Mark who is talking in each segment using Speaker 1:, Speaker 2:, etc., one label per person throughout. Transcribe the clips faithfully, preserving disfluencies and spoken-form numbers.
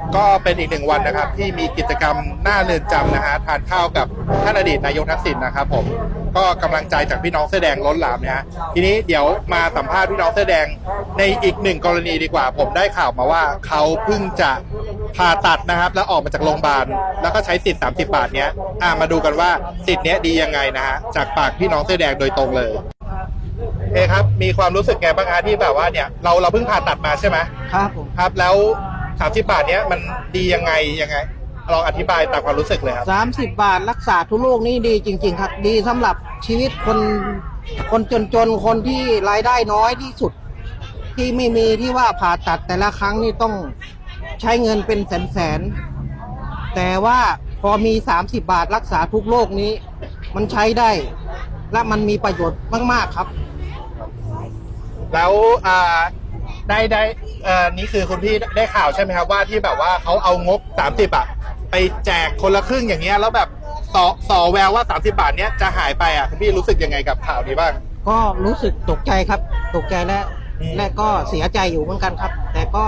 Speaker 1: ก็เป็นอีกหนึ่งวันนะครับที่มีกิจกรรมหน้าเรือนจำนะฮะทานข้าวกับท่านอดีตนายกทักษิณนะครับผมก็กำลังใจจากพี่น้องเสื้อแดงล้นหลามนะฮะทีนี้เดี๋ยวมาสัมภาษณ์พี่น้องเสื้อแดงในอีกหนึ่งกรณีดีกว่าผมได้ข่าวมาว่าเขาเพิ่งจะผ่าตัดนะครับแล้วออกมาจากโรงพยาบาลแล้วก็ใช้สิทธิ์สามสิบบาทเนี้ยอ่ามาดูกันว่าสิทธิ์เนี้ยดียังไงนะฮะจากปากพี่น้องเสื้อแดงโดยตรงเลยเอ้ครับมีความรู้สึกไงบ้างฮะที่แบบว่าเนี่ยเราเราเพิ่งผ่าตัดมาใช่ไหม
Speaker 2: ครับผม
Speaker 1: ครับแล้วสามสิบบาทเนี้ยมันดียังไงยังไงลองอธิบายตามความรู้สึกเลยครับ
Speaker 2: สามสิบบาทรักษาทุกโรคนี่ดีจริงๆครับดีสำหรับชีวิตคนคนจนๆคนที่รายได้น้อยที่สุดที่ไม่มีที่ว่าผ่าตัดแต่ละครั้งนี่ต้องใช้เงินเป็นแสนๆแต่ว่าพอมีสามสิบบาทรักษาทุกโรคนี้มันใช้ได้และมันมีประโยชน์มากๆครับ
Speaker 1: แล้วอ่าได้ได้เอ่อนี่คือคุณพี่ได้ข่าวใช่ไหมครับว่าที่แบบว่าเขาเอางบสามสิบอ่ะไปแจกคนละครึ่งอย่างเงี้ยแล้วแบบต่อต่อแววว่าสามสิบบาทเนี้ยจะหายไปอ่ะคุณพี่รู้สึกยังไงกับข่าวนี้บ้าง
Speaker 2: ก็รู้สึกตกใจครับตกใจและและก็เสียใจอยู่เหมือนกันครับแต่ก็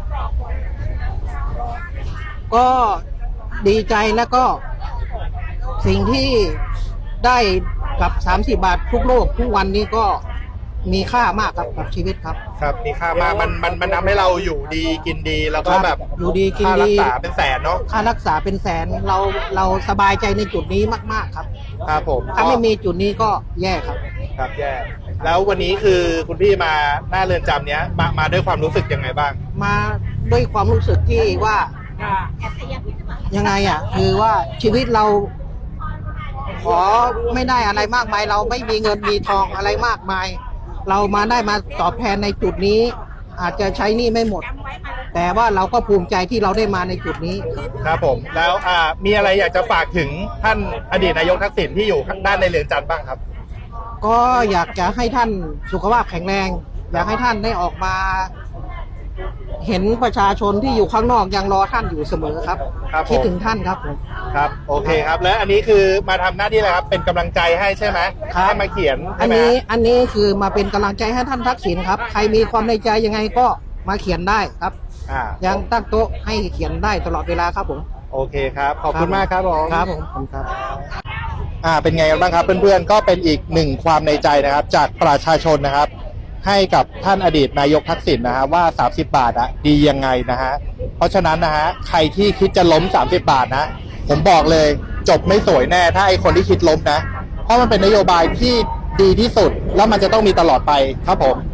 Speaker 2: ก็ดีใจแล้วก็สิ่งที่ได้กับสามสิบบาททุกโลกทุกวันนี้ก็มีค่ามากครับกับชีวิตครับ
Speaker 1: ครับมีค่ามากมันมันมันทำให้เราอยู่ดีกินดีแล้วก็แบบ
Speaker 2: อยู่ดีกินดี
Speaker 1: ค่ารักษาเป็นแสนเนาะ
Speaker 2: ค่ารักษาเป็นแสนเราเราสบายใจในจุดนี้มากๆครับ
Speaker 1: ครับผม
Speaker 2: ถ้าไม่มีจุดนี้ก็แย่ครับ
Speaker 1: ครับแย่แล้ววันนี้คือคุณพี่มาหน้าเรือนจำเนี้ยมามาด้วยความรู้สึกยังไงบ้าง
Speaker 2: มาด้วยความรู้สึกที่ว่ายังไงอ่ะคือว่าชีวิตเราขอไม่ได้อะไรมากมายเราไม่มีเงินมีทองอะไรมากมายเรามาได้มาตอบแทนในจุดนี้อาจจะใช้หนี้ไม่หมดแต่ว่าเราก็ภูมิใจที่เราได้มาในจุดนี้
Speaker 1: ครับผมแล้วอ่ามีอะไรอยากจะฝากถึงท่านอดีตนายกทักษิณที่อยู่ด้านในเรือนจำบ้างครับ
Speaker 2: ก็อยากจะให้ท่านสุขภาพแข็งแรงอยากให้ท่านได้ออกมาเห็นประชาชนที่อยู่ข้างนอกยังรอท่านอยู่เสมอครับคิดถึงท่านครับผม
Speaker 1: ครับโอเคครับและอันนี้คือมาทำหน้าที่อะไรครับเป็นกำลังใจให้ใช่ไหมให้มาเขียน
Speaker 2: อันนี้อันนี้คือมาเป็นกำลังใจให้ท่านทักษิณครับใครมีความในใจยังไงก็มาเขียนได้ครับยังตั้งโต๊ะให้เขียนได้ตลอดเวลาครับผม
Speaker 1: โอเคครับขอบคุณมากครับผม
Speaker 2: ครับผมผมครับ
Speaker 1: อ่าเป็นไงกันบ้างครับเพื่อนๆก็เป็นอีกหนึ่งความในใจนะครับจากประชาชนนะครับให้กับท่านอดีตนายกทักษิณนะฮะว่าสามสิบบาทอะดียังไงนะฮะเพราะฉะนั้นนะฮะใครที่คิดจะล้มสามสิบบาทนะผมบอกเลยจบไม่สวยแน่ถ้าไอคนที่คิดล้มนะเพราะมันเป็นนโยบายที่ดีที่สุดแล้วมันจะต้องมีตลอดไปครับผม